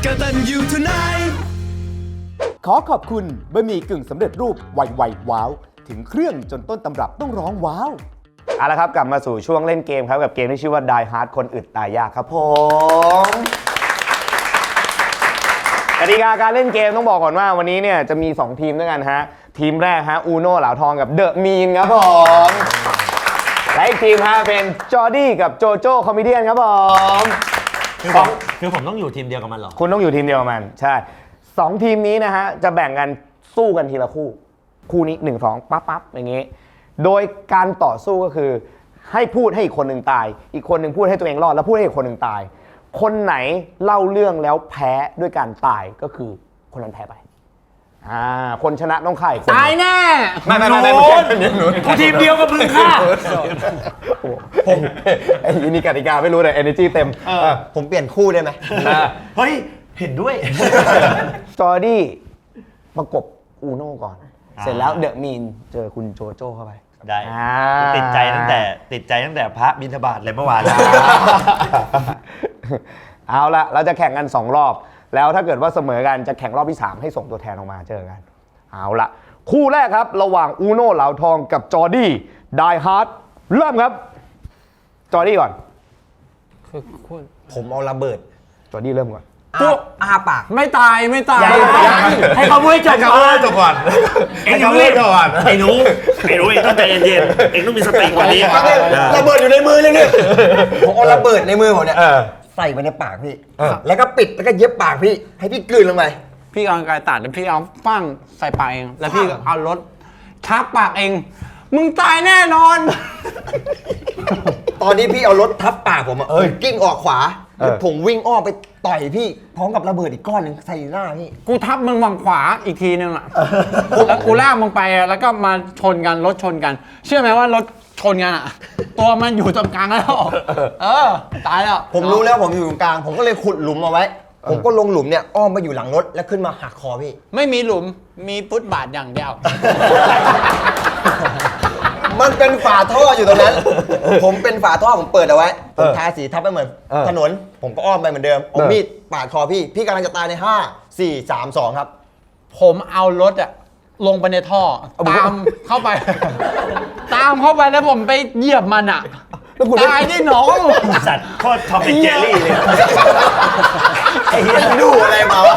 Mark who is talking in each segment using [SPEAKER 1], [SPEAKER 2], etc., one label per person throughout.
[SPEAKER 1] กตัญญูทนาย
[SPEAKER 2] ขอขอบคุณบะหมี่กึ่งสำเร็จรูปไวว้าวถึงเครื่องจนต้นตำรับต้องร้องว้าวเอาละครับกลับมาสู่ช่วงเล่นเกมครับกับเกมที่ชื่อว่า Die Hard คนอึดตายยากครับผมกติกาการเล่นเกมต้องบอกก่อนว่าวันนี้เนี่ยจะมี2ทีมด้วยกันฮะทีมแรกฮะอูโน่เหลาทองกับเดอะมีนครับผมและอีกทีมฮะเป็นจอร์ดี้กับโจโจ้คอมเมดี้ครับผม
[SPEAKER 3] คือผมต้องอยู่ทีมเดียวกับมันเหรอ
[SPEAKER 2] คุณต้องอยู่ทีมเดียวกับมันใช่2ทีมนี้นะฮะจะแบ่งกันสู้กันทีละคู่นี้1 2ปั๊บอย่างงี้โดยการต่อสู้ก็คือให้พูดให้อีกคนหนึ่งตายอีกคนหนึ่งพูดให้ตัวเองรอดแล้วพูดให้อีกคนหนึ่งตายคนไหนเล่าเรื่องแล้วแพ้ด้วยการตายก็คือคนนั้นแพ้ไปคนชนะต้องฆ่าอีกคน
[SPEAKER 4] ตายแน่
[SPEAKER 2] ไม่
[SPEAKER 3] กูทีมเดียวกับมึงค่ะ
[SPEAKER 2] ผมไอ้นี่กติกาไม่รู้แต่ energy เต็ม
[SPEAKER 5] ผมเปลี่ยนคู่ได้ไหม
[SPEAKER 3] เฮ้ยเห็นด้วย
[SPEAKER 2] จอร์ดี้ประกบอูโน่ก่อนเสร็จแล้วเดอะมีนเจอคุณโจโจ้เข้าไป
[SPEAKER 3] ได้ติดใจตั้งแต่พระบิณฑบาตเลยเมื่อวานแล้ว
[SPEAKER 2] เอาละเราจะแข่งกัน2รอบแล้วถ้าเกิดว่าเสมอกันจะแข่งรอบที่3ให้ส่งตัวแทนออกมาเจอกันเอาละคู่แรกครับระหว่างอูโน่เหลาทองกับจอร์ดี้ไดฮาร์ดเริ่มครับจอร์ดี้ก่อน
[SPEAKER 5] ผมเอาระเบิด
[SPEAKER 2] จอร์ดี้เริ่มก่อน
[SPEAKER 5] อาปาก
[SPEAKER 4] ไม่ตาย
[SPEAKER 3] ให้เขาพูดจบก่อนเอ็งเล่นก่อนไอ้หนูเอ็งต้องใจเย็นๆเอ็งต้องมีสติกว่านี้
[SPEAKER 5] ระเบิดอยู่ในมือเลยเนี่ยผมเอาระเบิดในมือผมเนี่ยใส่ไปในปากพี่แล้วก็ปิดแล้วก็เย็บปากพี่ให้พี่กลืนลงไป
[SPEAKER 4] พี่เอากายตัดแล้วพี่เอาปั้งใส่ปากเองแล้วพี่เอารถทับปากเองมึงตายแน่นอน
[SPEAKER 5] ตอนนี้พี่เอารถทับปากผมกิ้งออกขวาผมวิ่งอ้อมไปต่อยพี่พร้อมกับระเบิดอีกก้อนหนึ่งใส่หน้าพี่
[SPEAKER 4] กูทับมึงฝั่งขวาอีกทีนึงอ่ะแล้วกูลากมึงไปแล้วก็มาชนกันรถชนกันเชื่อไหมว่ารถชนกันอ่ะตัวมันอยู่ตรงกลางแล้วตายแล้ว
[SPEAKER 5] ผมรู้แล้วผมอยู่ตรงกลางผมก็เลยขุดหลุมเอาไว้ผมก็ลงหลุมเนี่ยอ้อมไปอยู่หลังรถแล้วขึ้นมาหักคอพี่
[SPEAKER 4] ไม่มีหลุมมีฟุตบาทอย่างเดียว
[SPEAKER 5] มันเป็นฝาท่ออยู่ตรงนั้น ผมเป็นฝาท่อผมเปิดเอาไว้ผมทาสีทับไปเหมือนถนนผมก็อ้อมไปเหมือนเดิมเอามีดปาดคอพี่กำลังจะตายใน5 4 3 2ครับ
[SPEAKER 4] ผมเอารถอะลงไปในท่อตามเข้าไปแล้วผมไปเหยียบมันอะตายได้น้อง
[SPEAKER 3] สัตว์โคตรทอมเป็นเจอรี่เลย
[SPEAKER 5] ไอ้เหี้ยดูอะไรมาวะ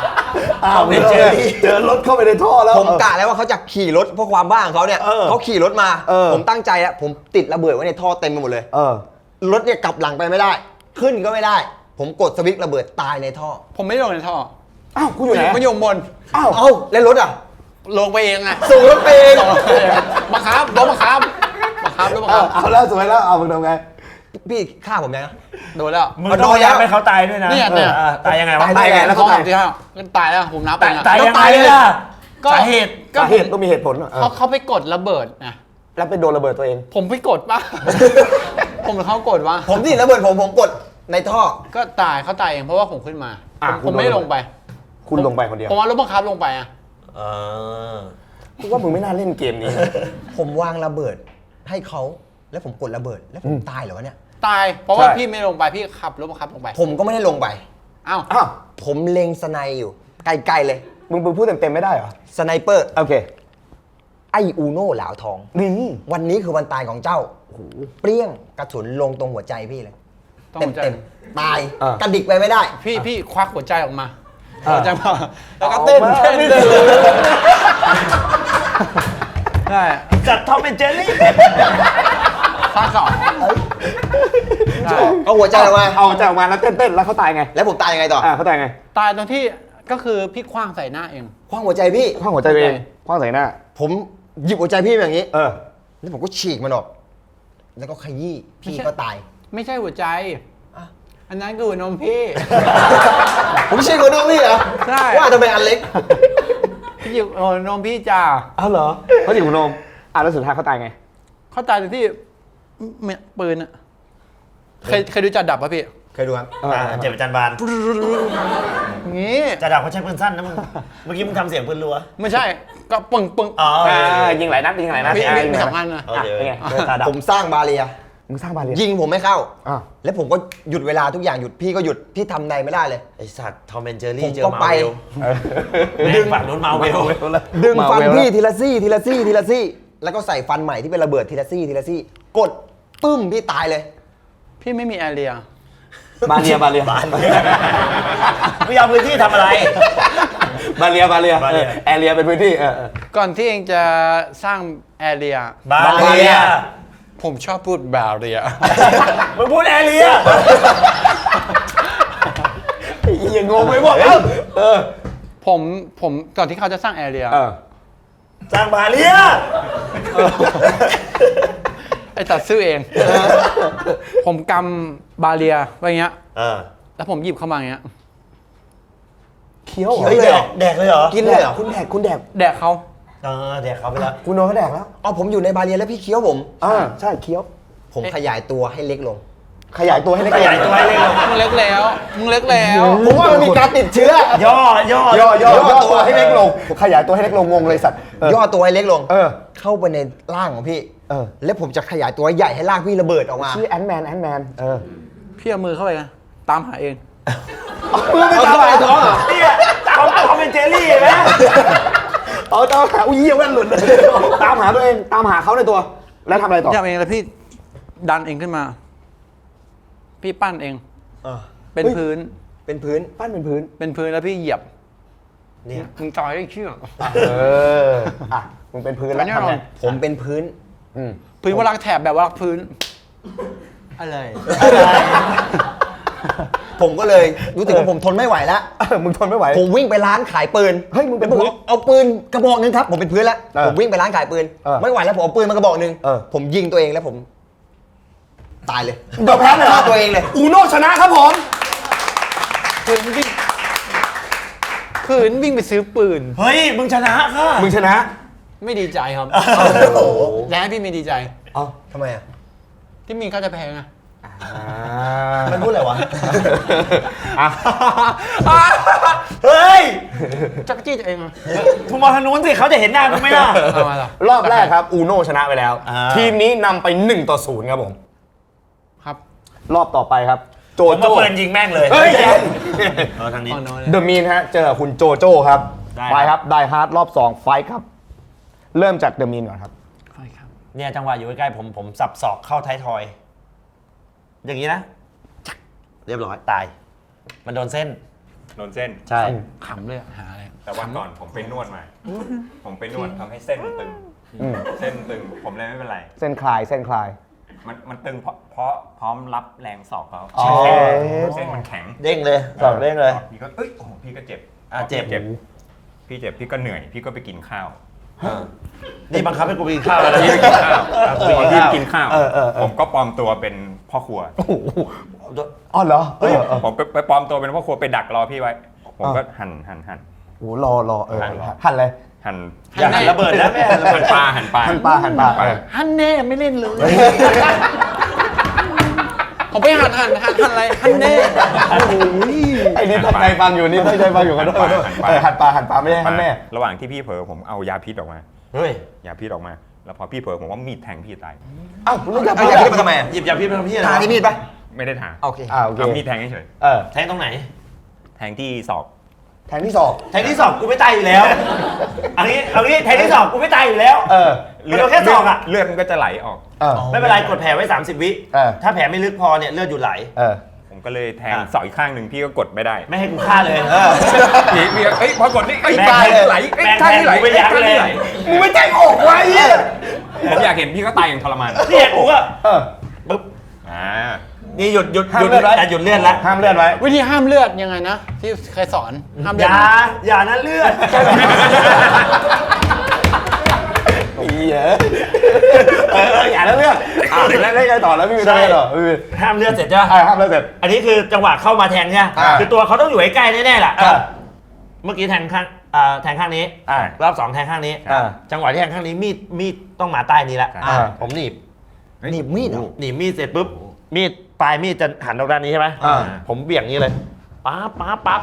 [SPEAKER 2] เจอรถเข้าไปในท่อแล้ว
[SPEAKER 5] ผมกะแล้วว่าเขาจะขี่รถเพราะความบ้าของเขาเนี่ยเขาขี่รถมาผมตั้งใจแล้วผมติดระเบิดไว้ในท่อเต็มไปหมดเลยรถเนี่ยกลับหลังไปไม่ได้ขึ้นก็ไม่ได้ผมกดสวิตช์ระเบิดตายในท่อ
[SPEAKER 4] ผมไม่ลงในท่อ
[SPEAKER 2] อ้าวคุณอยู่ไหน
[SPEAKER 4] มันอยู่บน
[SPEAKER 5] แล้วรถอ่ะ
[SPEAKER 4] ลงไปเองอะ
[SPEAKER 5] ส่งรถไปเอง
[SPEAKER 4] มาครับรถมาครับ
[SPEAKER 2] เอาแล้วสวยแล้วเอามึงทำไง
[SPEAKER 5] พี่ฆ่าผมยัง
[SPEAKER 4] โดนแล้ว
[SPEAKER 3] มึงต้องย้ำให้เขาตายด้วยนะตายยังไงวะ
[SPEAKER 2] ตายไงแล้วเขาตาย
[SPEAKER 4] ที่ตายแล้วผมนับไป
[SPEAKER 3] ตายยังไงล่ะสาเหตุ
[SPEAKER 2] ต้องมีเหตุผล
[SPEAKER 4] เขาไปกดระเบิดนะ
[SPEAKER 2] แล้วไปโดนระเบิดตัวเอง
[SPEAKER 4] ผมไปกดป่ะผมหรือเขากดวะ
[SPEAKER 5] ผมที่ระเบิดผมกดในท่อ
[SPEAKER 4] ก็ตายเขาตายเองเพราะว่าผมขึ้นมาผมไม่ลงไป
[SPEAKER 2] คุณลงไปคนเดียว
[SPEAKER 4] ผมว่ารถบังคับลงไปอ่ะ
[SPEAKER 2] กูว่ามึงไม่น่าเล่นเกมนี้
[SPEAKER 5] ผมวางระเบิดให้เขาแล้วผมกดระเบิดแล้วผมตายเหรอวะเนี่ย
[SPEAKER 4] ตายเพราะว่าพี่ไม่ลงไปพี่ขับรถบังคับลงไป
[SPEAKER 5] ผมก็ไม่ได้ลงไป
[SPEAKER 4] อ้าว
[SPEAKER 5] ผมเล็งสไนอยู่ไกลๆเลย
[SPEAKER 2] มึงพูดเต็มๆไม่ได้เหรอ
[SPEAKER 5] สไนเปอร์
[SPEAKER 2] โอเค
[SPEAKER 5] ไออูโน่เหลาทอง
[SPEAKER 2] นี่
[SPEAKER 5] วันนี้คือวันตายของเจ้าเปรี้ยงกระสุนลงตรงหัวใจพี่เลยเต็มตายกระดิกไปไม่ได้
[SPEAKER 4] พี่ควักหัวใจออกมาหัวใจมาแล้วก็เต้นได้
[SPEAKER 3] จัดทอมเป็นเจอรี่
[SPEAKER 4] ข้าสอง
[SPEAKER 5] เอาหัวใจออกมา
[SPEAKER 2] แล้วเต้นแล้วเขาตายไง
[SPEAKER 5] แล้วผมตายยังไงต่อ
[SPEAKER 2] เขาตายไง
[SPEAKER 4] ตายตรงที่ก็คือพี่คว้างใส่หน้าเอง
[SPEAKER 5] คว้างหัวใจพี่
[SPEAKER 2] คว้างหัวใจเองคว้างใส่หน้า
[SPEAKER 5] ผมหยิบหัวใจพี่อย่างนี้แล้วผมก็ฉีกมันออกแล้วก็ขยี้พี่ก็ตาย
[SPEAKER 4] ไม่ใช่หัวใจอันนั้นคือหัวนมพี่
[SPEAKER 5] ผมฉีกหัวนมพี่เหรอ
[SPEAKER 4] ใช่
[SPEAKER 5] ว่าทำไมอันเล็ก
[SPEAKER 4] พี่หยิบหัวนมพี่จ้า
[SPEAKER 2] เหรอเขาฉีกหัวนมแล้วสุดท้ายเขาตายไง
[SPEAKER 4] เขาตายตรงที่ปืนอะเคยดูจัดดับป่ะพี่
[SPEAKER 5] เคยดูครับ
[SPEAKER 3] เจ็บประจันบาน
[SPEAKER 4] งี้
[SPEAKER 3] จัดดับเขาใช้ปืนสั้นนะมึงเมื่อกี้มึงทำเสียงปืนรัว
[SPEAKER 4] ไม่ใช่ก็ปึ้ง
[SPEAKER 2] ยิงหลายนัด
[SPEAKER 4] มี2 อันนะ
[SPEAKER 2] เป็นไง
[SPEAKER 5] ผมสร้างบาเรีย
[SPEAKER 2] มึงสร้างบาเรีย
[SPEAKER 5] ยิงผมไม่เข้า
[SPEAKER 2] อ่ะ
[SPEAKER 5] แล้วผมก็หยุดเวลาทุกอย่างหยุดพี่ก็หยุดพี่ทำใดไม่ได้เลย
[SPEAKER 3] ไอสัตว์ทอมแอนเจอ
[SPEAKER 5] ผ
[SPEAKER 3] รี่
[SPEAKER 5] ม
[SPEAKER 3] เจอ
[SPEAKER 5] ก็
[SPEAKER 3] มา
[SPEAKER 5] ไป
[SPEAKER 3] เวลดึงฝั่งนู้นมาเวล
[SPEAKER 5] ดึงฟันพี่ทีละซี่ทีละซี่ทีละซี่แล้วก็ใส่ฟันใหม่ที่เป็นระเบิดทีละซี่ทีละซี่กดปึ้มพี่ตายเลย
[SPEAKER 4] พี่ไม่มีแอเรีย
[SPEAKER 2] บาเรีย
[SPEAKER 3] ไม่ยอมพื้นที่ทำอะไร
[SPEAKER 2] บาเรีย
[SPEAKER 3] บาเรีย
[SPEAKER 2] แอเรียเป็นพื้นที่
[SPEAKER 4] ก่อนที่เองจะสร้างแอเรีย
[SPEAKER 3] บาเรีย
[SPEAKER 4] ผมชอบพูดบาเรีย
[SPEAKER 3] มึงพูดแอเรีย
[SPEAKER 2] อย่างงงไปหมด
[SPEAKER 4] ผมก่อนที่เขาจะสร้างแอเรีย
[SPEAKER 3] สร้างบาเรีย
[SPEAKER 4] ไอ้ตัดซื้อเอง ผมกำบาเรียไว้อย่างเงี้ย แล้วผมหยิบเข้ามาอย่างเงี้ย
[SPEAKER 2] เคี้ยว
[SPEAKER 3] เฮ้ยแดกเลยเหรอ
[SPEAKER 5] กินเลยเหรอ
[SPEAKER 2] คุณแดก
[SPEAKER 4] แดกเขา
[SPEAKER 3] แดกเขาไปแล้ว
[SPEAKER 2] คุณโดนเขาแดกแล้ว
[SPEAKER 5] เอาผมอยู่ในบาเรียแล้วพี่เคี้ยวผม
[SPEAKER 2] ใช่เคี้ยว
[SPEAKER 5] ผมขยายตัวให้เล็กลง
[SPEAKER 2] ขยายตัวให้เล็ก
[SPEAKER 3] ขยายตัวให้เล็กลง
[SPEAKER 4] มึงเล็กแล้ว
[SPEAKER 5] ผมว่ามันมีการติดเชื้อ
[SPEAKER 3] ย่อ
[SPEAKER 2] ตัวให้เล็กลงขยายตัวให้เล็กลงงงเลยสัตว์
[SPEAKER 5] ย่อตัวให้เล็กลง
[SPEAKER 2] เออ
[SPEAKER 5] เข้าไปในร่างของพี่
[SPEAKER 2] เออ
[SPEAKER 5] แล้วผมจะขยายตัวใหญ่ให้ร่างพี่ระเบิดออกมา
[SPEAKER 2] ชื่อแอนแมน
[SPEAKER 4] พี่เอามือเข้าไปนะตามหาเอง
[SPEAKER 2] มือไม่ตามหาท้องเหรอ
[SPEAKER 3] เนี่ยเขาเป็นเจลลี่ไหม
[SPEAKER 2] เอาตามหาอุ้ยเหี้ยแว่นหลุดเลยตามหาตัวเองตามหาเขาในตัว แล้วทำอะไรต่อ
[SPEAKER 4] ทำเองแล้วพี่ดันเองขึ้นมา พี่ปั้นเอง เป็นพื้น
[SPEAKER 5] เป็นพื้น
[SPEAKER 2] ปั้นเป็นพื้น
[SPEAKER 4] เป็นพื้นแล้วพี่เหยียบ
[SPEAKER 3] เนี่ย
[SPEAKER 4] มึงจอยได้เชื่อ
[SPEAKER 2] อ่ะมึงเป็นพื้นแล้ว
[SPEAKER 4] แน่น
[SPEAKER 2] ทำ
[SPEAKER 4] อ
[SPEAKER 2] ไง
[SPEAKER 4] น
[SPEAKER 5] ผมเป็นพื้น
[SPEAKER 4] พื้นวลักแถบแบบวลักพื้น
[SPEAKER 5] อะไร ผมก็เลยรู้สึกว่าผมทนไม่ไหวแล้ว
[SPEAKER 2] มึงทนไม่ไหว
[SPEAKER 5] ผมวิ่งไปร้านขายปืน
[SPEAKER 2] เฮ้ยมึงเป็น
[SPEAKER 5] แล้วผม
[SPEAKER 2] พื้น
[SPEAKER 5] เอาปืนกระบอกหนึงครับ ผมเป็นพื้นแล้ว ผมวิ่งไปร้านขายปืน ไม่ไหวแล้วผมเอาปืนมากระบอกหนึง ผมยิงตัวเองแล้วผมตายเลย
[SPEAKER 2] เดี๋ยวแพ้เลย
[SPEAKER 5] ฆ่าตัวเองเลย
[SPEAKER 2] อูโน่ชนะครับผม
[SPEAKER 4] พื้นวิ่งไปซื้อปืน
[SPEAKER 3] เฮ้ยมึงชนะค่ะ
[SPEAKER 2] มึงชนะ
[SPEAKER 4] ไม่ดีใจครับแล้วให้พี่ไม่ดีใจ
[SPEAKER 2] อ๋อ
[SPEAKER 5] ทำไมอ่ะ
[SPEAKER 4] ที่มีค่าจะแพงอะ
[SPEAKER 5] มันพูดอะไรวะ
[SPEAKER 3] เฮ้ย
[SPEAKER 4] จักรจี้ตัวเองอะ
[SPEAKER 3] มึงมองทางนู้นสิเขาจะเห็นหน้ามึงไหมล่ะ
[SPEAKER 4] เอามาล่ะ
[SPEAKER 2] รอบแรกครับอูโน่ชนะไปแล้ว ทีมนี้นำไป1-0ครับผม
[SPEAKER 4] ครับ
[SPEAKER 2] รอบต่อไปครับ โจ
[SPEAKER 3] ผมมา
[SPEAKER 2] โจ้
[SPEAKER 3] เปิดยิงแม่งเลย
[SPEAKER 2] เฮ้ย
[SPEAKER 3] ทางนี้
[SPEAKER 4] อ่อนน้อย
[SPEAKER 2] เดอะมีนฮะเจอกับคุณโจโจ้ครับ
[SPEAKER 3] ได้
[SPEAKER 2] ไปครับไดฮาร์ดรอบ2ไฟท์ครับ เริ่มจากเดอะมีนก่อนครับ
[SPEAKER 4] ใช่ครับ
[SPEAKER 3] เนี่ยจังหวะอยู่ใกล้ๆผมสับศอกเข้าท้ายทอย อย่างนี้นะ เรียบร้อยตาย มันโดนเส้น
[SPEAKER 1] โดนเส้น
[SPEAKER 3] ใช่
[SPEAKER 4] ขำเลยอะหาอะไร
[SPEAKER 1] แต่วันก่อนผมไปนวดมา ผมไปนวดทำให้เส้นมันตึง
[SPEAKER 2] อืม
[SPEAKER 1] เส้นตึง ผมเลยไม่เป็นไร
[SPEAKER 2] เส้นคลายเส้นคลาย
[SPEAKER 1] มันตึงเพราะพร้อมรับแรงศอกเขา
[SPEAKER 2] อ๋อ
[SPEAKER 1] เส้นมันแข็ง
[SPEAKER 3] เด้งเลยศอกเด้งเลย
[SPEAKER 1] พี่ก็เอ้ยโอ้โหพี่ก็เจ็บ
[SPEAKER 3] เจ็บ
[SPEAKER 1] พี่เจ็บ พี่ก็เหนื่อย พี่ก็ไปกินข้าว
[SPEAKER 3] นี่บังคับให้กูไปกินข้าวแล้วนะ
[SPEAKER 1] พี่ไปกินข้าว
[SPEAKER 3] กูไปกิน
[SPEAKER 1] พี่
[SPEAKER 3] ข้าว
[SPEAKER 1] กินข้าว ผมก็ปลอมตัวเป็นพ่อครัว
[SPEAKER 2] อ๋อเหรอเฮ้ย
[SPEAKER 1] ผมไปปลอมตัวเป็นพ่อครัวไปดักรอพี่ไว้ ผมก็หั่น
[SPEAKER 2] โอ้รอหั่นเลย
[SPEAKER 1] หั่น
[SPEAKER 3] อย่าหันระเบิดนะแม่ระเบิ
[SPEAKER 1] หั่
[SPEAKER 3] ด
[SPEAKER 1] นปลาหั่นปลา
[SPEAKER 2] หั่นปลา
[SPEAKER 4] ฮันแน่ไม่เล่นเลย ผมไปหันอะไรฮันแน่
[SPEAKER 2] ไอ้นี่ตั้งใจฟังอยู่นี่ตั้งใจฟังอยู่กันด้วยหั่นปลาไม่ใช่หั่นแม่
[SPEAKER 1] ระหว่างที่พี่เผลอผมเอายาพิษออกมา
[SPEAKER 3] เฮ้ย
[SPEAKER 1] ยาพิษออกมา แล้วพอพี่เผลอผมว่ามีดแทงพี่ตาย
[SPEAKER 2] เอ้าคุณต้องจับ
[SPEAKER 5] เอาอย่างนี้มาทำไมอ่ะ
[SPEAKER 3] หยิบยาพิษมาทำพี่อะไร
[SPEAKER 5] ทาที่มีดปะ
[SPEAKER 1] ไม่ได้ถาง
[SPEAKER 5] โอเค
[SPEAKER 2] โอเค
[SPEAKER 1] เอามีดแทงเฉย
[SPEAKER 3] แทงตรงไหน
[SPEAKER 1] ๆแทงที่ศอก
[SPEAKER 2] แทงที่ศอก
[SPEAKER 3] แทงที่ศอกกูไม่ตายอยู่แล้วเอางี้แทงที่ศอกกูไม่ตายอยู่แล้ว มันโดนแค่ศอกอะ
[SPEAKER 1] เลือดมันก็จะไหลออก
[SPEAKER 3] ไม่เป็นไรกดแผลไว้ 30 วิ ถ้าแผลไม่ลึกพอเนี่ยเลือดหยุดไหล
[SPEAKER 1] ผมก็เลยแทงศอกอีกข้างหนึ่งพี่ก็กดไม่ได้
[SPEAKER 3] ไม่ให้กูฆ่าเลย
[SPEAKER 1] พี่เอ้ยพอกดนี่เอ้ย
[SPEAKER 3] แม่ง
[SPEAKER 1] ตาย
[SPEAKER 3] เลย
[SPEAKER 1] ไหลเอ้ย
[SPEAKER 3] แม่ง
[SPEAKER 1] ข้างนี้ไหล
[SPEAKER 3] แทงกูไม่ยั้ง
[SPEAKER 1] ข้างนี้
[SPEAKER 3] เลย
[SPEAKER 1] ไหล
[SPEAKER 2] มึงไม่แจ้งออกไว้เนี่ย
[SPEAKER 1] ผมอยากเห็นพี่ก็ตายอย่างทรมาน
[SPEAKER 3] เนี่ยกูก็ปึ๊บ
[SPEAKER 1] อ่า
[SPEAKER 3] นี่หยุด
[SPEAKER 2] ห้ามเลือดไว้
[SPEAKER 3] แต่หยุดเลือดแล้ว
[SPEAKER 2] ห้ามเลือดไว้
[SPEAKER 4] วิธีห้ามเลือดยังไงนะ ที่เคยสอนห้ามเลือด
[SPEAKER 3] อย่านะเลือด
[SPEAKER 2] อย่าแล้วเลือกแล้วได้ไงต่อแล้วพี่มีอะไรต่อ
[SPEAKER 3] ห้ามเลือดเสร็จจ้ะ
[SPEAKER 2] ห้ามแล้วเสร็จ
[SPEAKER 3] อันนี้คือจังหวะเข้ามาแทงใช่ไหมคือตัวเขาต้องอยู่ใกล้ๆแน่ๆแหละ เมื่อกี้แทงข้างนี้รอบ 2แทงข้างนี้ จังหวะที่แทงข้างนี้มีดต้องมาใต้นี้ละผมหนีบ
[SPEAKER 5] หนีบมีดเหรอ
[SPEAKER 3] หนีบมีดเสร็จปุ๊บมีดปลายมีดจะหันออกด้านนี้ใช่ไหมผมเบี่ยงนี้เลยปั๊บ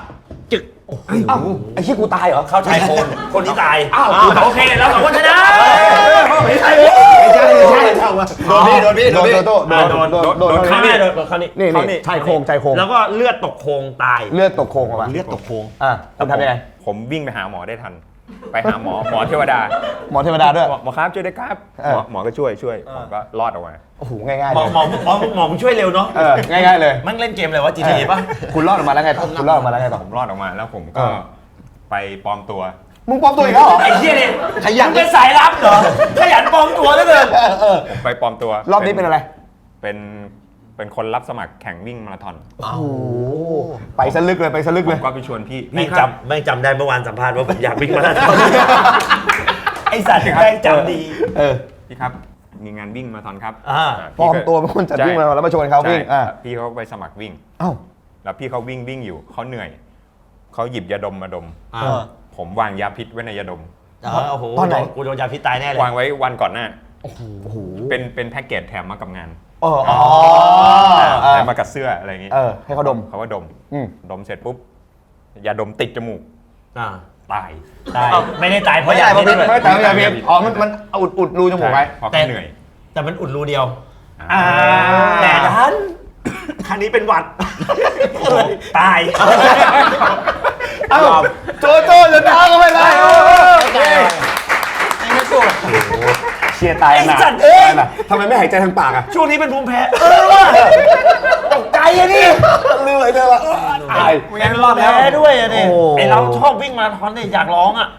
[SPEAKER 3] จึก
[SPEAKER 2] อ้าวไอ้ที่กูตายเหรอ
[SPEAKER 3] เข้าชายโครงคนที่ตาย
[SPEAKER 2] อ้าว
[SPEAKER 3] โอเคเราสองคนชนะ
[SPEAKER 2] ไม่ใช่ไม่ใช่ไม่ใช่โดนพี่โดนพี่โดนพี่โดน
[SPEAKER 3] โดนข้างนี้โดนข้างนี้
[SPEAKER 2] นี่นี่ชายโครงชายโครง
[SPEAKER 3] แล้วก็เลือดตกโครงตาย
[SPEAKER 2] เลือดตกโครงออกมา
[SPEAKER 5] เลือดตกโค้ง
[SPEAKER 2] อ่ะคุณทำยังไง
[SPEAKER 1] ผมวิ่งไปหาหมอได้ทัน ไปหาหมอเทวดา
[SPEAKER 2] หมอเทวดาด้วย
[SPEAKER 1] หมอครับช่วยด้วยครับ
[SPEAKER 2] เออ
[SPEAKER 1] หมอก็ช่วยผมก็รอดออกมา
[SPEAKER 2] โอ้โหง่ายๆ
[SPEAKER 3] หม
[SPEAKER 2] เล
[SPEAKER 3] อย หมอมึงช่วยเร็วเนาะ
[SPEAKER 2] ง่ายๆเลย
[SPEAKER 3] มันเล่นเกมอะไรวะ GTA ป่ะ
[SPEAKER 2] คุณรอดออกมาแล้วไงต่อคุณรอดออกมาแล้วไงต่อ
[SPEAKER 1] ผมรอดออกมาแล้วผมก็
[SPEAKER 2] เออ
[SPEAKER 1] ไปปลอมตัว
[SPEAKER 2] มึงปลอมตัวอีกแล้วเหรอ
[SPEAKER 3] ไอ้เหี้ยเนี่ย
[SPEAKER 5] ขยัน
[SPEAKER 3] มึงเป็นสายลับเหรอ ขยันปลอมตัวเหลือเกิน
[SPEAKER 1] ผมไปปลอมตัว
[SPEAKER 2] รอบนี้เป็นอะไร
[SPEAKER 1] เป็นคนรับสมัครแข่งวิ่งมาราธอน
[SPEAKER 2] โอ้โหไปสลึกเลยไปสลึก
[SPEAKER 1] ผ
[SPEAKER 2] เลย
[SPEAKER 1] มก็ไปชวนพี่
[SPEAKER 3] แม่ง
[SPEAKER 1] ครับ
[SPEAKER 3] จำได้เมื่อวานสัมภาษณ์ว่าผมอยากวิ่งมาราธอนไอ้สัตว์แม่งจำดี
[SPEAKER 1] พี่ครับมีงานวิ่งมาราธอนครับ
[SPEAKER 3] อ่า
[SPEAKER 2] ปลอมตัวเป็นคนจัดวิ่งมาแล้วมาชวนเขาวิ่ง
[SPEAKER 1] ใช่พี่เขาไปสมัครวิ่ง
[SPEAKER 2] เอ้า
[SPEAKER 1] แล้วพี่เขาวิ่งอยู่เขาเหนื่อยเขาหยิบยาดมมาดม
[SPEAKER 3] อ่า
[SPEAKER 1] ผมวางยาพิษไว้ในยาดม
[SPEAKER 3] โอ้โห
[SPEAKER 2] ตอนไหน
[SPEAKER 3] กูโดนยาพิษตายแน่เลย
[SPEAKER 1] วางไว้วันก่อนหน้า
[SPEAKER 2] โอ้โห
[SPEAKER 1] เป็นแพ็กเกจแถมมากับงาน
[SPEAKER 2] อ๋อ
[SPEAKER 1] แถมมากับเสื้ออะไรอย่างงี้
[SPEAKER 2] ให้เขาดม
[SPEAKER 1] เขาว่าดม
[SPEAKER 2] อืม
[SPEAKER 1] ดมเสร็จปุ๊บยาดมติดจมูก
[SPEAKER 3] อ่า
[SPEAKER 1] ตาย
[SPEAKER 3] ตายไม่ได้ตายเพราะ
[SPEAKER 5] ไม่
[SPEAKER 3] ยา
[SPEAKER 5] ได้เพ
[SPEAKER 3] พิ
[SPEAKER 5] ราะ
[SPEAKER 3] ษ
[SPEAKER 5] พิษ
[SPEAKER 2] ไม่แต่ไม่ใช่พี่อ๋อมันอุดรูจมูกไว้
[SPEAKER 1] เพราะเขาเหนื่อย
[SPEAKER 3] แต่มันอุดรูเดียว
[SPEAKER 1] อ่า
[SPEAKER 3] แต่ดันครั้งนี้เป็นหวัดตาย
[SPEAKER 2] เอ้าโจโจ้จะท้าก็ไม่ได้โอเค
[SPEAKER 4] ไม่สู้
[SPEAKER 2] เชียร์ตาย
[SPEAKER 3] ไอ้
[SPEAKER 2] นะ
[SPEAKER 3] สัตว์เอ้ย
[SPEAKER 2] ทำไมไม่หายใจทางปากอ่ะ
[SPEAKER 3] ช่วงนี้เป็นภูมิแพ้ว่ะตกใจอะนี่
[SPEAKER 2] ลืมเลยเธอละตาย
[SPEAKER 3] แม่งรอดแล้วด้วยอะนี่
[SPEAKER 2] โอ้
[SPEAKER 3] ไอเราชอบวิ่งมาราธอนเนี่ยอยากร้องอ่ะ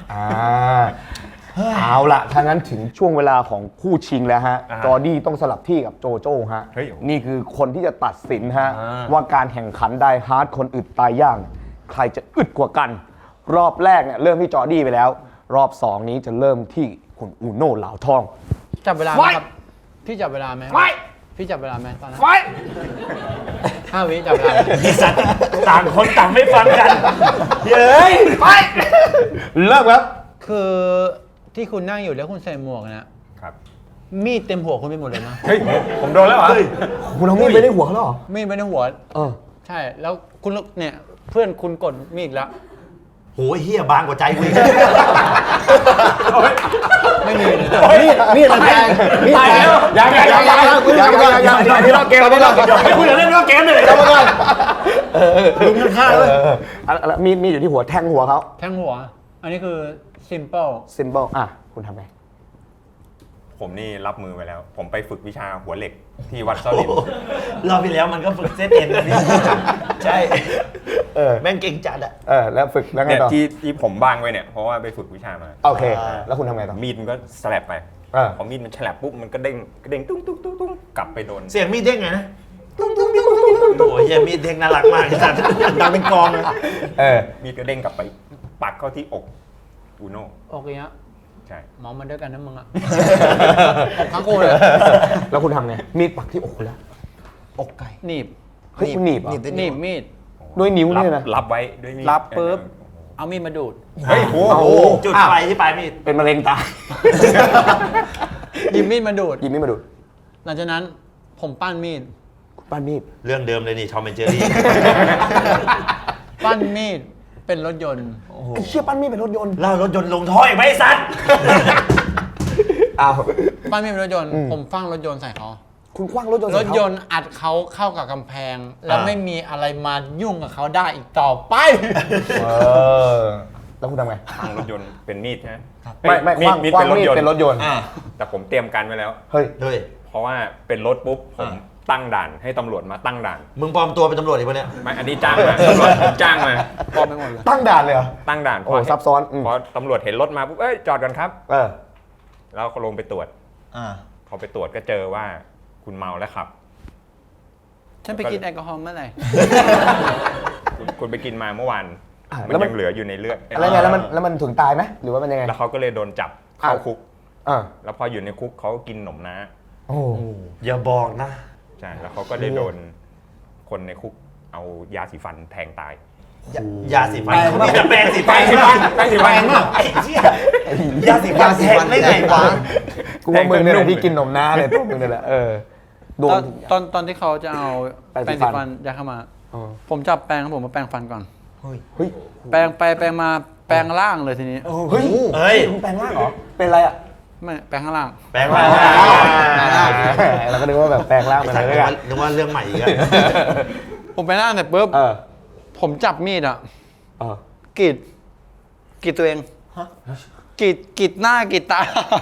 [SPEAKER 2] เอาล่ะถ้างั้นถึงช่วงเวลาของคู่ชิงแล้วฮะ
[SPEAKER 3] อ่า
[SPEAKER 2] จอร์ดี้ต้องสลับที่กับโจโจ้ฮะ
[SPEAKER 1] เฮ้ย
[SPEAKER 2] นี่คือคนที่จะตัดสินฮะ
[SPEAKER 3] อ่า
[SPEAKER 2] ว่าการแข่งขันไดฮาร์ดคนอึดตายย่าง ใครจะอึดกว่ากัน รอบแรกเนี่ยเริ่มที่จอร์ดี้ไปแล้ว รอบ 2 นี้จะเริ่มที่คุณอูโน่เหลาทอง
[SPEAKER 4] จับเวลาไหมครับ พี่จับเวลาไหม
[SPEAKER 2] ไฟ
[SPEAKER 4] พี่จับเวลาไหมตอนนั้น
[SPEAKER 2] ไฟ
[SPEAKER 4] 5 วิจับเวลาไหม
[SPEAKER 3] ไอสัตว์ต่างคนต่างไม่ฟังกันเย้ย
[SPEAKER 2] ไฟเริ่มครับ
[SPEAKER 4] คือที่คุณนั่งอยู่แล้วคุณใส่หมวกนะครับ มีดเต็มหัวคุณไปหมดเลยนะ
[SPEAKER 1] เฮ้ยผมโดนแล้วเหรอ
[SPEAKER 2] คุณเอามีดไปในหัวเขาแล้วเหรอ
[SPEAKER 4] มีดไปในหัว ใช่ แล้วคุณเนี่ยเพื่อนคุณกดมีดอีกแล้ว
[SPEAKER 3] โหเฮียบางกว่าใจกูอีก
[SPEAKER 4] ไม่มีเลย
[SPEAKER 2] มีดมันแทงมีดแทงยังที่เราเกมที่เรา
[SPEAKER 3] คุยเรื่องเกมเลย
[SPEAKER 2] กรรมการลุมข้างเลยมีดอยู่ที่หัวแทงหัวเขา
[SPEAKER 4] แทงหัว อันนี้คือ simple
[SPEAKER 2] simple อ่ะคุณทำไง
[SPEAKER 1] ผมนี่รับมือไปแล้ว ผมไปฝึกวิชาหัวเหล็กที่วัดซ่อลิน
[SPEAKER 3] รอบที่แล้วมันก็ฝึกเซตเอ็นนะพี่ใช่ แม่งเก่งจัดอะ
[SPEAKER 2] แล้วฝึกแล้วไง
[SPEAKER 1] เนี่ย
[SPEAKER 2] ต่อ
[SPEAKER 1] ที่ผมบ้างไว้เนี่ยเพราะว่าไปฝึกวิชามา
[SPEAKER 2] โอเค แล้วคุณทำไงต่อ
[SPEAKER 1] มีดมันก็สลับไปพอมีดมันฉลับปุ๊บมันก็เด้งตุ้งกลับไปโดน
[SPEAKER 3] เสียงมีดเด้งไงนะโอ้ยเฮียมีดเด้งน่ารักมากไอ้สัตว์ดังเป็นกลองเลย
[SPEAKER 1] มีดก็เด้งกลับไปปักเข้าที่อกอูโน่
[SPEAKER 4] โอเคฮะ
[SPEAKER 1] ใช่
[SPEAKER 4] มองมันด้วยกันนะมึงอะทั้งคู่เลย
[SPEAKER 2] แล้วคุณทำไง มีดปักที่อกแล้ว
[SPEAKER 5] อกไก่
[SPEAKER 4] หนีบ
[SPEAKER 2] เฮ้ยคุณหนีบเหรอ
[SPEAKER 4] หนีบมีด
[SPEAKER 2] ด้วยนิ้วเนี่ยนะ
[SPEAKER 1] รับไว้ด้วยมีด
[SPEAKER 4] รับปุ๊บ เอามีดมาดูด
[SPEAKER 1] เฮ้ยโอ้โห
[SPEAKER 3] จุดไฟที่ปลายมีด
[SPEAKER 2] เป็นมะเร็งตาย
[SPEAKER 4] หยิบมีดมาดูด
[SPEAKER 2] หยิบมีดมาดูด
[SPEAKER 4] หลังจากนั้นผมปั้นมีด
[SPEAKER 2] ปั้นมีด
[SPEAKER 3] เรื่องเดิมเลยนี่ทอมแอนเจอรี่
[SPEAKER 4] ปั้นมีดเป็นรถยนต์
[SPEAKER 2] ไอ้เชี่ยปั้นมีดเป็นรถยนต์
[SPEAKER 3] เล่ารถยนต์ลงท่ออีกไหมไอ้สัตว์
[SPEAKER 2] อ้าว
[SPEAKER 4] ปั้นมีดเป็นรถยนต์ ผมฟังรถยนต์ใส่เขา
[SPEAKER 2] คุณคว้างรถยนต์
[SPEAKER 4] รถยนต์อัดเขาเข้ากับกำแพง แล้วไม่มีอะไรมายุ่งกับเขาได้อีกต่อไป
[SPEAKER 2] แล้วคุณทำไง
[SPEAKER 1] ทางรถยนต์เป็นมีดใช่ไหม
[SPEAKER 2] ไม่คว้าง
[SPEAKER 1] มีด
[SPEAKER 2] คว้าง
[SPEAKER 1] เป็นรถ
[SPEAKER 2] มีด
[SPEAKER 1] ยนต์
[SPEAKER 2] เป็นรถยนต์
[SPEAKER 1] แต่ผมเตรียมการไว้แล้ว
[SPEAKER 2] เฮ้ย
[SPEAKER 3] เฮ้ย
[SPEAKER 1] เพราะว่าเป็นรถปุ๊บผมตั้งด่านให้ตำรวจมาตั้งด่าน
[SPEAKER 3] มึงปลอมตัวเป็นตำรวจอีกปะเนี่ย
[SPEAKER 1] ไม่อันนี้จ้างมาตำรวจผมจ้างมา
[SPEAKER 4] พร้อมไปหมดเลย
[SPEAKER 2] ตั้งด่านเลยเหรอ
[SPEAKER 1] ตั้งด่าน
[SPEAKER 2] โอ้ซับซ้อนอืม
[SPEAKER 1] พอตำรวจเห็นรถมาปุ๊บเอ้ยจอดกันครับ
[SPEAKER 2] เออ
[SPEAKER 1] แล้วก็ลงไปตรวจ
[SPEAKER 5] อ่า
[SPEAKER 1] พอไปตรวจก็เจอว่าคุณเมาแล้วขับ
[SPEAKER 4] ฉันไปกินแอลกอฮอล์เมื่อไหร่
[SPEAKER 1] คุณไปกินมาเมื่อวาน มัน
[SPEAKER 2] แล้วมัน
[SPEAKER 1] ยังเหลืออยู่ในเลือด
[SPEAKER 2] แล้วไงแล้วมันถึงตายไหมหรือว่ามันยังไง
[SPEAKER 1] แล้วเขาก็เลยโดนจับเข้าคุก
[SPEAKER 2] อ่า
[SPEAKER 1] แล้วพออยู่ในคุกเขาก็กินหนมน้า
[SPEAKER 2] โอ้
[SPEAKER 3] อย่าบอกนะ
[SPEAKER 1] ใช่แล้วเขาก็ได้โดนคนในคุกเอายาสีฟันแทงตาย
[SPEAKER 3] ยาสีฟันเขามีแต่แปรงสีฟัน
[SPEAKER 1] แปรงสีฟัน
[SPEAKER 3] ไอ้เหี้ยยาสีฟันแทงได้ไงวะ
[SPEAKER 2] กูว่ามึงเนี่ยแหละที่กินนมน้าเลยตัวมึงเนี่ยแหละโดน
[SPEAKER 4] ตอนที่เขาจะเอา
[SPEAKER 2] แปรง
[SPEAKER 4] แปรง
[SPEAKER 2] สี
[SPEAKER 4] สี
[SPEAKER 2] ฟั
[SPEAKER 4] ฟั
[SPEAKER 2] น
[SPEAKER 4] นยัดเข้ามา
[SPEAKER 2] อ๋อ
[SPEAKER 4] ผมจับแปรงครับผมมาแปรงฟันก่อน
[SPEAKER 2] เฮ้ย
[SPEAKER 4] แปลงไปแปลงมาแปลงร่างเลยทีนี้
[SPEAKER 2] เฮ้ย
[SPEAKER 3] เฮ้ย
[SPEAKER 2] มึงแปลงร่างเหรอเป็นอะไรอ่ะ
[SPEAKER 4] ไม่แปลงข้างล่าง
[SPEAKER 3] แปลงร่าง
[SPEAKER 2] เราก็นึกว่าแบบแปลงร่างเป็นอะไรด้วยกัน
[SPEAKER 3] นึกว่าเรื่องใหม่อีกอะ
[SPEAKER 4] ผมไปร่างเสร็จปุ๊บผมจับมีดอ่ะกรีดตัวเองกรีดหน้ากรีดตา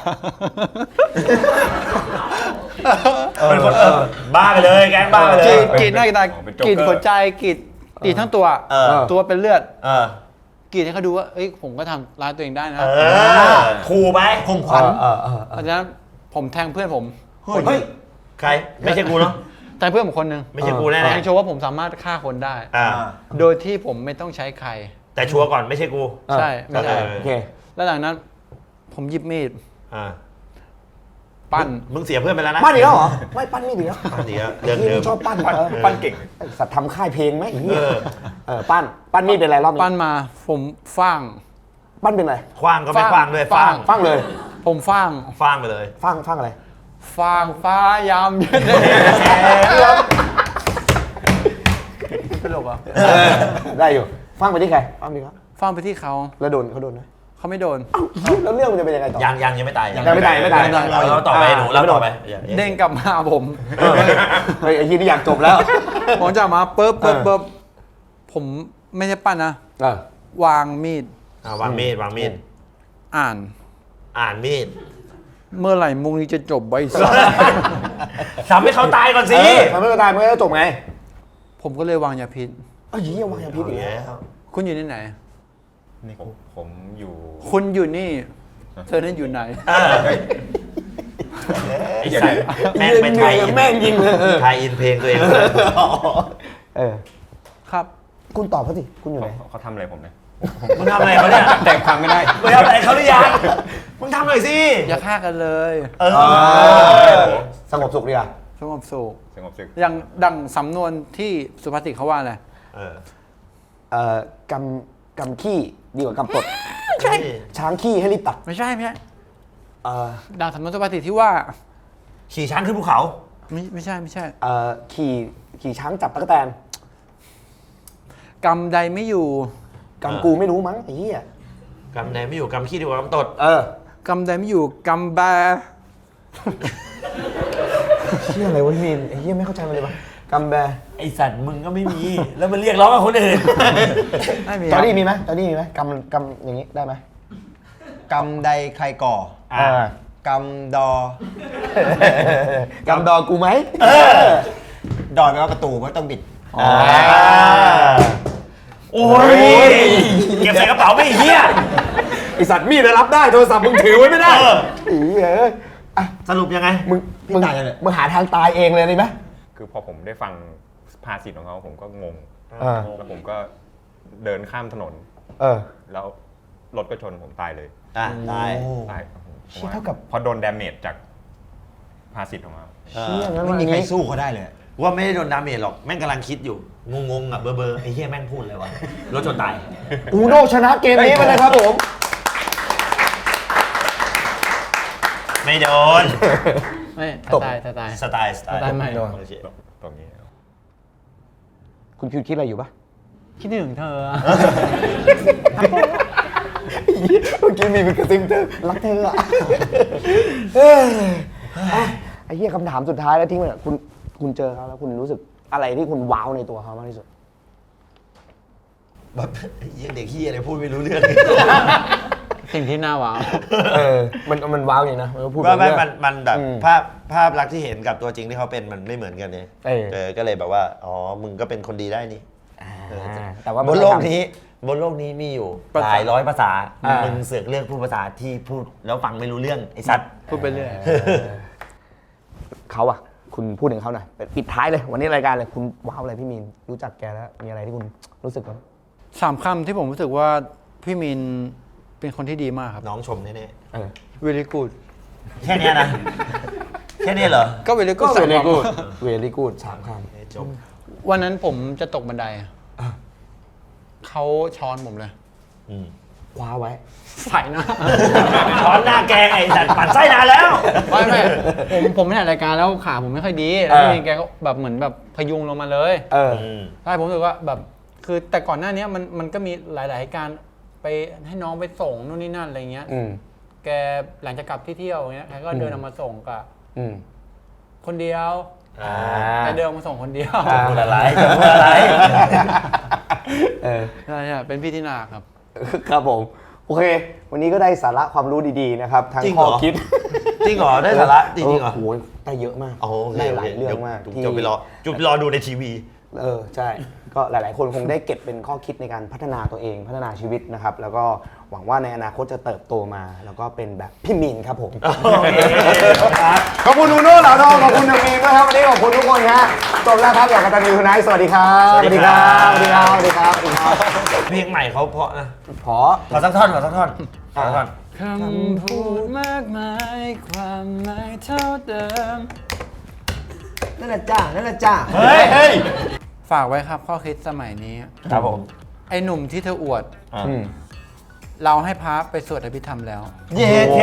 [SPEAKER 3] เป็นคนบ้าไปเลยแก๊งบ้าไปเลย
[SPEAKER 4] กรีดหน้ากรีดตากรีดหัวใจกรีดทั้งตัว ตัวเป็นเลือดกรีดให้เขาดูว่าเอ้ยผมก็ทำร้ายตัวเองได้นะ
[SPEAKER 3] ขู่ไป
[SPEAKER 5] ข่มขวัญ
[SPEAKER 4] เพราะฉะนั้นผมแทงเพื่อนผม
[SPEAKER 2] เฮ้ย
[SPEAKER 3] ใครไม่ใช่กูเนาะ
[SPEAKER 4] แทงเพื่อนผมคนหนึ่ง
[SPEAKER 3] ไม่ใช่กูแน่
[SPEAKER 4] แทงโชว์ว่าผมสามารถฆ่าคนได้ โดยที่ผมไม่ต้องใช้ใคร
[SPEAKER 3] แต่ชัวร์ก่อนไม่ใช่กู
[SPEAKER 4] ใช่ไม่ใช่
[SPEAKER 2] โอเค
[SPEAKER 4] แล้วหลังนั้น ผมหยิบมีด
[SPEAKER 3] อ่า
[SPEAKER 4] ปั้น
[SPEAKER 3] มึงเสียเพื่อนไปแล้วนะ
[SPEAKER 2] ปั้นอีกแล้วเหรอไม่ปั้นไม่ดีแล้ว
[SPEAKER 3] ปั้นอีกแล้วเรื่องเดิม
[SPEAKER 2] ชอบปั้น
[SPEAKER 1] ปั้นเก่ง
[SPEAKER 2] สัตว์ทำค่ายเพลงไหมไอ้เหี้ยปั้นมีดเป็นอะไรรอบนี้
[SPEAKER 4] ปั้นมาผมฟ้าง
[SPEAKER 2] ปั้นเป็นอะไร
[SPEAKER 3] คว้างก็ไม่คว้างด้วย
[SPEAKER 4] ฟาง
[SPEAKER 2] ฟังเลย
[SPEAKER 4] ผมฟ้าง
[SPEAKER 3] คว้างไปเลย
[SPEAKER 2] ฟังอะไร
[SPEAKER 4] ฟ้างฟ้ายามเย็นเป็นหลกอ่ะ
[SPEAKER 2] ได้อยู่ฟังไปที่ใครฟังไปครับ
[SPEAKER 4] ฟ้างไปที่เขา
[SPEAKER 2] แล้วเขาโดนไหม
[SPEAKER 4] เขาไม่โดน
[SPEAKER 2] แล้วเรื่องมันจะเป็นยังไงต่อ
[SPEAKER 3] ยังไม่ตาย
[SPEAKER 2] ยังไม่ตาย
[SPEAKER 3] เราต่อไปหนูเราต่อไป
[SPEAKER 4] เด้งกลับมาผม
[SPEAKER 2] เฮ้ยไอ้ยี่นี่อยากจบแล้ว
[SPEAKER 4] ผมจะมาปุ๊บผมไม่ใช่ปั้นนะ วางมีด
[SPEAKER 3] วางมีด
[SPEAKER 4] อ่าน
[SPEAKER 3] อ่านมีด
[SPEAKER 4] เมื่อไหร่มุงนี้จะจบใบสัตว์
[SPEAKER 3] ทำให้เขาตายก่อนสิ
[SPEAKER 2] ทำให้มันตายมันก็จะจบไง
[SPEAKER 4] ผมก็เลยวางยาพิษ
[SPEAKER 2] เอ้ยยี่วางยาพิษอีกแล้ว
[SPEAKER 4] คุณอยู่ที่ไหน
[SPEAKER 1] ผมอยู่
[SPEAKER 4] คุณอยู่นี่ เธอนั่นอยู่ไหน
[SPEAKER 3] ไอ้สัตว์แม่งไปไทย
[SPEAKER 2] แม่งยิงเลย
[SPEAKER 3] ไทยอินเพลงตัวเอง
[SPEAKER 4] ครับ
[SPEAKER 2] คุณตอบเขาสิคุณอยู่ไหน
[SPEAKER 1] เขาทำอะไรผมเนี่ย
[SPEAKER 3] มึงทำอะไรเขาเนี่ย
[SPEAKER 1] แต่งความไม่ได้
[SPEAKER 3] มึงทำอะไรเขาหรือยังมึงทำหน่อยสิ
[SPEAKER 4] อย่าฆ่ากันเลย
[SPEAKER 2] สงบสุขดีอ่ะ
[SPEAKER 4] สงบสุข
[SPEAKER 1] สงบศึก
[SPEAKER 4] อย่างดังสำนวนที่สุภาษิตเขาว่าอะไร
[SPEAKER 2] กำขี้ดีกว่ากำตดช้างขี้ให้รีบตัด
[SPEAKER 4] ไม่ใช่ดังสำนวนสุภาษิตที่ว่า
[SPEAKER 3] ขี่ช้างขึ้นภูเขา
[SPEAKER 4] ไม่ใช่
[SPEAKER 2] ขี่ช้างจับตะกั่วแตน
[SPEAKER 4] กรรมใดไม่อยู่
[SPEAKER 2] กำกูไม่รู้มั้งไอ้เหี้ย
[SPEAKER 3] กำไหนไม่อยู่กำขี้ดีกว่ากำตด
[SPEAKER 4] กรรมใดไม่อยู่กรรมแบ
[SPEAKER 2] เหี้ยอะไรวะพี่มีนไอ้เหี้ยไม่เข้าใจมันเลยปะกำแบ
[SPEAKER 3] ไอสัตว์มึงก็ไม่มี แล้วมันเรียกร้องกับคนอื่น
[SPEAKER 4] ไม่มี
[SPEAKER 2] จอร์ดี้มีไหมกำอย่างนี้ได้ไหม
[SPEAKER 5] กรรมใดใครก่อ กรรมดอก
[SPEAKER 2] ำดอกูไหม
[SPEAKER 5] ดอยแปลว่าประตูไม่ต้องบิด
[SPEAKER 3] โอ้ยเก็บใส่กระเป๋าไม่เหี้ย
[SPEAKER 2] ไอสัตว์มีดรับได้โทรศัพท์มึงถือไว้ไม่ได้อีเอ้ย
[SPEAKER 3] สรุปยังไง
[SPEAKER 2] มึงหาทางตายเองเลยได้ไหม
[SPEAKER 1] คือพอผมได้ฟังภาษิตของเขาผมก็งง
[SPEAKER 2] อ่า
[SPEAKER 1] แล้วผมก็เดินข้ามถนน แล้วรถก็ชนผมตายเลย
[SPEAKER 3] ตาย
[SPEAKER 1] ตาย
[SPEAKER 2] เชี่ยเท่ากับ
[SPEAKER 1] พอโดนดาเมจจากภาษิตของเขา
[SPEAKER 2] เชี่ยงั้น
[SPEAKER 5] ไม่
[SPEAKER 2] วัน
[SPEAKER 5] มีใคร
[SPEAKER 2] นี้
[SPEAKER 5] สู้เขาได้เลย
[SPEAKER 3] ว่าไม่ได้โดนดาเมจหรอกแม่งกำลังคิดอยู่งงๆอ่ะเบอร์ไอ้เหี้ยแม่งพูดเลยวะรถชนตาย
[SPEAKER 2] อูโน่ชนะเกมนี้ไปเลยครับผม
[SPEAKER 3] ไม่โดน
[SPEAKER 4] ไม่ตาย
[SPEAKER 3] สไตล์
[SPEAKER 4] สไตล์ใหม่
[SPEAKER 3] โอเค
[SPEAKER 1] ตรงนี้
[SPEAKER 2] คุณคิดอะไรอยู่ปะ
[SPEAKER 4] คิดถึงเธอ
[SPEAKER 2] เมื่อกี้มีเป็นกระซิบเธอรักเธออะไอ้เหี้ยคำถามสุดท้ายแล้วทิ้งไปเนี่ยคุณเจอเขาแล้วคุณรู้สึกอะไรที่คุณว้าวในตัวเขามากที่สุด
[SPEAKER 3] แบบไอ้เหี้ยเด็กเหี้ยอะไรพูดไม่รู้เรื่อง
[SPEAKER 4] สิ่งที่น่าว้าว
[SPEAKER 2] มันว้าวอย่างนะมันก็พูด
[SPEAKER 3] ว่า
[SPEAKER 2] เรื่อง
[SPEAKER 3] มันแบบ
[SPEAKER 2] อืม
[SPEAKER 3] ภาพลักษณ์ที่เห็นกับตัวจริงที่เขาเป็นมันไม่เหมือนกันเนี่ยก็เลยแบบว่าอ๋อมึงก็เป็นคนดีได้นี่
[SPEAKER 2] แต่ว่า
[SPEAKER 3] บนโลกนี้มีอยู่หลายร้อยภาษามึงเสือกเลือกพูดภาษาที่พูดแล้วฟังไม่รู้เรื่องไอ้สัตว์
[SPEAKER 4] พูดไปเรื่อย
[SPEAKER 2] เขาอะคุณพูดถึงเขาหน่อยปิดท้ายเลยวันนี้รายการเลยคุณว้าวอะไรพี่มีนรู้จักแกแล้วมีอะไรที่คุณรู้สึกบ้าง
[SPEAKER 4] 3 คำที่ผมรู้สึกว่าพี่มินเป็นคนที่ดีมากครับ
[SPEAKER 3] น้องชมแน่
[SPEAKER 4] very good
[SPEAKER 3] ๆแค่เนี้ยนะแค่เนี้ยเหรอ
[SPEAKER 4] ก็ very
[SPEAKER 2] ก็
[SPEAKER 4] good
[SPEAKER 2] เว
[SPEAKER 4] สาม
[SPEAKER 2] ลี่
[SPEAKER 4] คำ
[SPEAKER 2] กูดเวลี่กูด3 ค
[SPEAKER 3] จบ
[SPEAKER 4] วันนั้นผมจะตกบันไดเขาช้อนผมเลย
[SPEAKER 2] ำว้าวไว้
[SPEAKER 4] ใส่หน้า
[SPEAKER 3] ช้อนหน้าแกงไอ้สัตว์ปั่นไส้นานแล้ว
[SPEAKER 4] ไม่ผมไม่ถ่ายรายการแล้วขาผมไม่ค่อยดีแล้วพี่มินแกก็แบบเหมือนแบบพยุงลงมาเลยใช่ผมรู้สึกว่าแบบคือแต่ก่อนหน้านี้มันก็มีหลายๆเหตุการณ์ไปให้น้องไปส่งนู่นนี่นั่นอะไรเงี้ย แกหลังจากกลับที่เที่ยวเงี้ยแกก็เดินออกมาส่งกับคนเดียวแกเดินออกมาส่งคนเดียว
[SPEAKER 3] พูดอะไรจะพูดอะไร
[SPEAKER 4] ใช่เป็นพี่ที่นาครับ
[SPEAKER 2] ครับผม โอเค วันนี้ก็ได้สาระความรู้ดีๆนะครับทั้ง
[SPEAKER 3] จริงเหร
[SPEAKER 2] ข้
[SPEAKER 3] อ
[SPEAKER 2] อคิด
[SPEAKER 3] จริงเหรอได้สาระจริงเหรอ
[SPEAKER 2] โอ้โหได้เยอะมาก
[SPEAKER 3] โอเค
[SPEAKER 2] ได้หลายเรื่องมาก
[SPEAKER 3] จุดไปรอดูในทีวี
[SPEAKER 2] ใช่ ก็หลายๆ คนคงได้เก็บเป็นข้อคิดในการพัฒนาตัวเองพัฒนาชีวิตนะครับ แล้วก็หวังว่าในอนาคตจะเติบโตมา แล้วก็เป็นแบบพี่มีนครับผม
[SPEAKER 3] โอเคครับ
[SPEAKER 2] ขอบคุณนูโน่เหล่าทองขอบคุณน้องมีนด้วยครับวันนี้ขอบคุณทุกคนฮะจบแล้วครับกับกตัญญูทูไนท์สวัสดีครับ
[SPEAKER 3] สวัสดีครับ
[SPEAKER 2] สวัสดีครับสวัสดีครับสวัสดีครับ
[SPEAKER 3] เพลงใหม่เขาเพราะนะ
[SPEAKER 2] พอ
[SPEAKER 3] ขอสักท่อนขอสักท่อนขอสักท่อน
[SPEAKER 4] คำพูดมากมายความหมายเท่าเดิม
[SPEAKER 5] นั่นแหละจ้านั่นแหละจ้า
[SPEAKER 3] เฮ้ย
[SPEAKER 4] ฝากไว้ครับข้อคิดสมัยนี้
[SPEAKER 3] ครับผม
[SPEAKER 4] ไอ้หนุ่มที่เธออวด เราให้พระไปสวดอภิธรรมแล้ว
[SPEAKER 3] เย้เค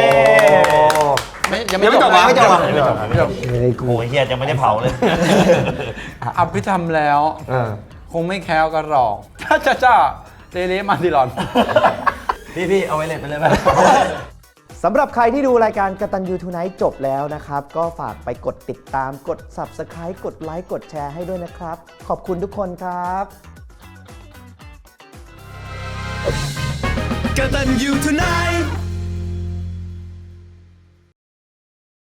[SPEAKER 4] ยังไม่จบ
[SPEAKER 5] ไม่จบ
[SPEAKER 4] ไม่จบ
[SPEAKER 3] โอ้ยเฮียจะไม่ได้เผาเลย
[SPEAKER 4] อภิธรรมแล้ว คงไม่แคล้วกระหรอกจ้าเรมาดิลอน
[SPEAKER 3] พี่เอาไว้เลยไปเลยไหม
[SPEAKER 2] สำหรับใครที่ดูรายการกตัญญูทูไนท์จบแล้วนะครับ ก็ฝากไปกดติดตามกด Subscribe กดไลค์กดแชร์ให้ด้วยนะครับ ขอบคุณทุกคนครับ
[SPEAKER 6] กตัญญูทูไนท์